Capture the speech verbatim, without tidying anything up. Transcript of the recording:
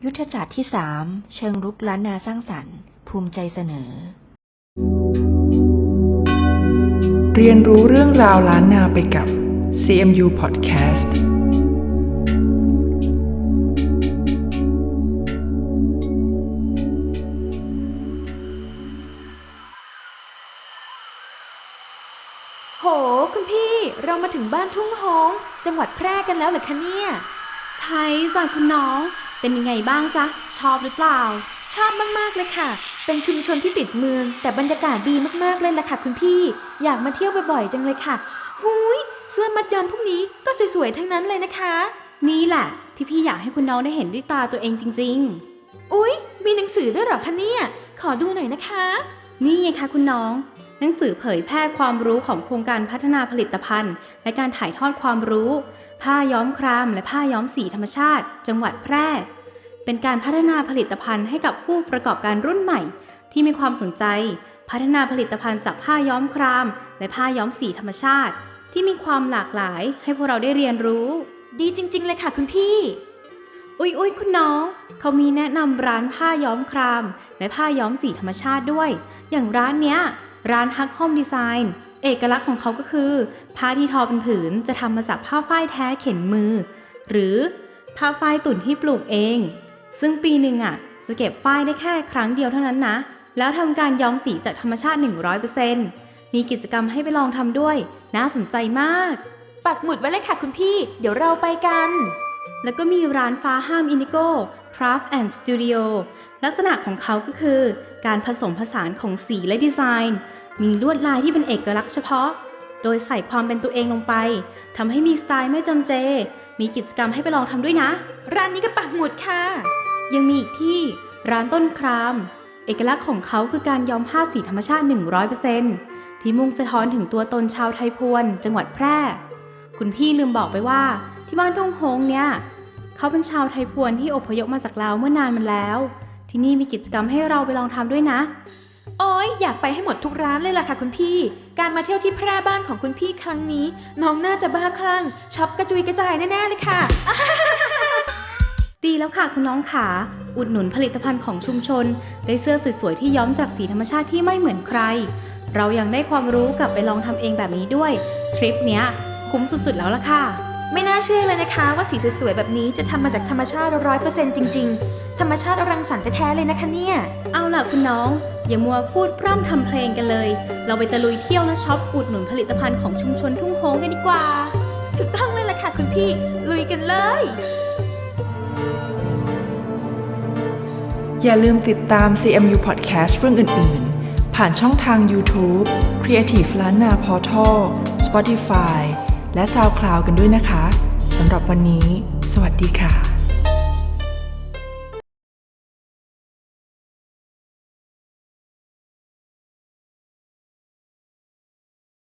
ยุทธศาสตร์ที่สามเชิงรุกล้านนาสร้างสรรค์ภูมิใจเสนอเรียนรู้เรื่องราวล้านนาไปกับ ซี เอ็ม ยู Podcast โหคุณพี่เรามาถึงบ้านทุ่งโฮงจังหวัดแพร่กันแล้วเหรอคะเนี่ยใช่จ้ะคุณน้องเป็นยังไงบ้างจ๊ะชอบหรือเปล่าชอบมากๆเลยค่ะเป็นชุมชนที่ติดเมืองแต่บรรยากาศดีมากๆเลยล่ะค่ะคุณพี่อยากมาเที่ยวบ่อยๆจังเลยค่ะหุยเสื้อมัดย้อมพวกนี้ก็สวยๆทั้งนั้นเลยนะคะนี่แหละที่พี่อยากให้คุณน้องได้เห็นด้วยตาตัวเองจริงๆอุ๊ยมีหนังสือด้วยเหรอคะเนี่ยขอดูหน่อยนะคะนี่ไงคะคุณน้องหนังสือเผยแพร่ความรู้ของโครงการพัฒนาผลิตภัณฑ์และการถ่ายทอดความรู้ผ้าย้อมครามและผ้าย้อมสีธรรมชาติจังหวัดแพร่เป็นการพัฒนาผลิตภัณฑ์ให้กับผู้ประกอบการรุ่นใหม่ที่มีความสนใจพัฒนาผลิตภัณฑ์จากผ้าย้อมครามและผ้าย้อมสีธรรมชาติที่มีความหลากหลายให้พวกเราได้เรียนรู้ดีจริงๆเลยค่ะคุณพี่อุ๊ยอุ๊ยคุณน้องเขามีแนะนำร้านผ้าย้อมครามและผ้าย้อมสีธรรมชาติด้วยอย่างร้านเนี้ยร้านฮักโฮมดีไซน์เอกลักษณ์ของเขาก็คือผ้าที่ทอเป็นผืนจะทำมาจากผ้าฝ้ายแท้เข็นมือหรือผ้าฝ้ายตุ่นที่ปลูกเองซึ่งปีหนึ่งอ่ะจะเก็บฝ้ายได้แค่ครั้งเดียวเท่านั้นนะแล้วทำการย้อมสีจากธรรมชาติ หนึ่งร้อยเปอร์เซ็นต์ มีกิจกรรมให้ไปลองทำด้วยน่าสนใจมากปักหมุดไว้เลยค่ะคุณพี่เดี๋ยวเราไปกันแล้วก็มีร้านฟ้าห้ามอินดิโก้ Craft and Studio ลักษณะของเขาก็คือการผสมผสานของสีและดีไซน์มีลวดลายที่เป็นเอกลักษณ์เฉพาะโดยใส่ความเป็นตัวเองลงไปทำให้มีสไตล์ไม่จำเจมีกิจกรรมให้ไปลองทำด้วยนะร้านนี้ก็ปักหมุดค่ะยังมีอีกที่ร้านต้นครามเอกลักษณ์ของเขาคือการย้อมผ้าสีธรรมชาติ หนึ่งร้อยเปอร์เซ็นต์ ที่มุ่งสะท้อนถึงตัวตนชาวไทยพวนจังหวัดแพร่คุณพี่ลืมบอกไปว่าที่บ้านทุ่งโฮงเนี่ยเขาเป็นชาวไทยพวนที่อพยพมาจากลาวเมื่อนานมาแล้วที่นี่มีกิจกรรมให้เราไปลองทำด้วยนะโอ๊ยอยากไปให้หมดทุกร้านเลยล่ะค่ะคุณพี่การมาเที่ยวที่แพร่บ้านของคุณพี่ครั้งนี้น้องน่าจะบ้าคลั่งช็อปกระจุยกระจายแน่ๆเลยค่ะดีแล้วค่ะคุณน้องขาอุดหนุนผลิตภัณฑ์ของชุมชนได้เสื้อสวยๆที่ย้อมจากสีธรรมชาติที่ไม่เหมือนใครเรายังได้ความรู้กลับไปลองทำเองแบบนี้ด้วยทริปเนี้ยคุ้มสุดๆแล้วล่ะค่ะไม่น่าเชื่อเลยนะคะว่าสีสวยๆแบบนี้จะทำมาจากธรรมชาติ ร้อยเปอร์เซ็นต์ จริงๆธรรมชาติรังสรรค์แท้ๆเลยนะคะเนี่ยเอาล่ะคุณน้องอย่ามัวพูดพร่ำทำเพลงกันเลยเราไปตะลุยเที่ยวและช็อปอุดหนุนผลิตภัณฑ์ของชุมชนทุ่งโฮงกันดีกว่าถูกต้องเลยล่ะค่ะคุณพี่ลุยกันเลยอย่าลืมติดตาม ซี เอ็ม ยู Podcast เรื่องอื่นๆผ่านช่องทาง YouTube Creative ล้านนา Portal Spotify และ SoundCloud กันด้วยนะคะสำหรับวันนี้สวัสดีค่ะ